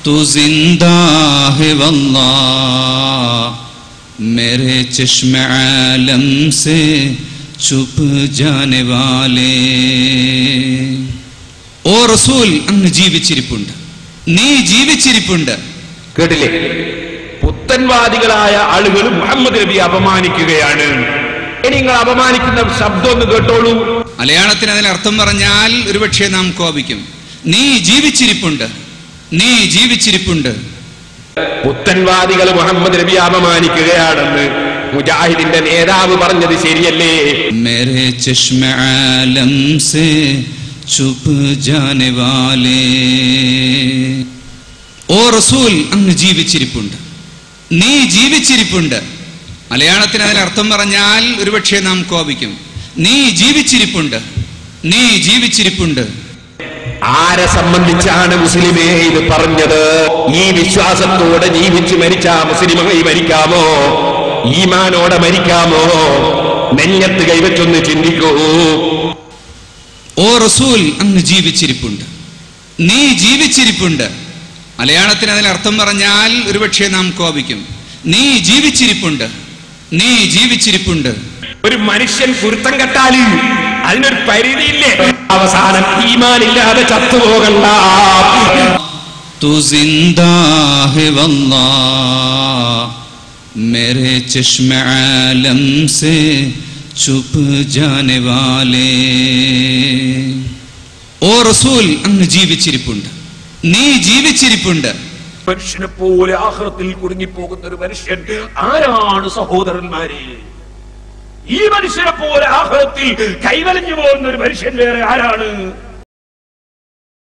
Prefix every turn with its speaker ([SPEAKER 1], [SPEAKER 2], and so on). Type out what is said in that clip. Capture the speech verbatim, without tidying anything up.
[SPEAKER 1] तू जिंदा है वल्लाह मेरे चश्मे आलम से छुप जाने वाले. ഓ റസൂൽ, അങ്ങ് ജീവിച്ചിരിപ്പുണ്ട്, നീ ജീവിച്ചിരിപ്പുണ്ട്.
[SPEAKER 2] കേട്ടില്ലേ? പുത്തൻവാദികളായ ആളുകൾ മുഹമ്മദ് നബി അപമാനിക്കുകയാണ്. ഇനി നിങ്ങൾ അപമാനിക്കുന്ന ശബ്ദം ഒന്ന് കേട്ടോളൂ.
[SPEAKER 1] മലയാളത്തിന് അതിനർത്ഥം പറഞ്ഞാൽ ഒരുപക്ഷെ നാം കോപിക്കും. നീ ജീവിച്ചിരിപ്പുണ്ട്, നീ ജീവിച്ചിരിപ്പുണ്ട്.
[SPEAKER 2] പുത്തൻവാദികൾ മുഹമ്മദ് നബി അപമാനിക്കുകയാണെന്ന് മുജാഹിദിന്റെ നേതാവ് പറഞ്ഞത് ശരിയല്ലേ?
[SPEAKER 1] മേരെ ചശ്മെ ആലം സേ ചുപ് ജാനെ വാലേ. ഓ റസൂൽ, അങ്ങ് ജീവിച്ചിരിപ്പുണ്ട്, നീ ജീവിച്ചിരിപ്പുണ്ട്. മലയാളത്തിന് അതിനർത്ഥം പറഞ്ഞാൽ ഒരുപക്ഷെ നാം കോപിക്കും. നീ ജീവിച്ചിരിപ്പുണ്ട്, നീ ജീവിച്ചിരിപ്പുണ്ട്.
[SPEAKER 2] ആരെ സംബന്ധിച്ചാണ് മുസ്ലിമേ ഇത് പറഞ്ഞത്? ഈ വിശ്വാസത്തോടെ ജീവിച്ചു മരിച്ച മുസ്ലിമായി മരിക്കാമോ? ഈമാനോടെ മരിക്കാമോ? നെഞ്ഞത്ത് കൈവച്ചൊന്ന് ചിന്തിക്കൂ.
[SPEAKER 1] ഓ റസൂൽ, അങ്ങ് ജീവിച്ചിരിപ്പുണ്ട്, നീ ജീവിച്ചിരിപ്പുണ്ട്. മലയാളത്തിന് അതിനർത്ഥം പറഞ്ഞാൽ ഒരുപക്ഷെ നാം കോപിക്കും. നീ ജീവിച്ചിരിപ്പുണ്ട്, നീ ജീവിച്ചിരിപ്പുണ്ട്.
[SPEAKER 2] ഒരു മനുഷ്യൻ കുരുത്തം കെട്ടാല് അതിനൊരു പരിധിയില്ലേ? അവസാനം ഈമാനില്ലാതെ ചത്തുപോകണ്ട.
[SPEAKER 1] तू जिंदा है वल्लाह मेरे चश्मे आलम से छुप जाने वाले. ഓ റസൂൽ, അങ്ങ് ജീവിച്ചിരിപ്പുണ്ട്, നീ ജീവിച്ചിരിപ്പുണ്ട്.
[SPEAKER 2] മനുഷ്യനെ പോലെ ആഖിറത്തിൽ കുടുങ്ങിപ്പോകുന്ന ഒരു മനുഷ്യൻ ആരാണ് സഹോദരന്മാരെ? ഈ മനുഷ്യനെ പോലെ ആഖിറത്തിൽ കൈവലഞ്ഞു പോകുന്ന ഒരു മനുഷ്യൻ വേറെ ആരാണ്?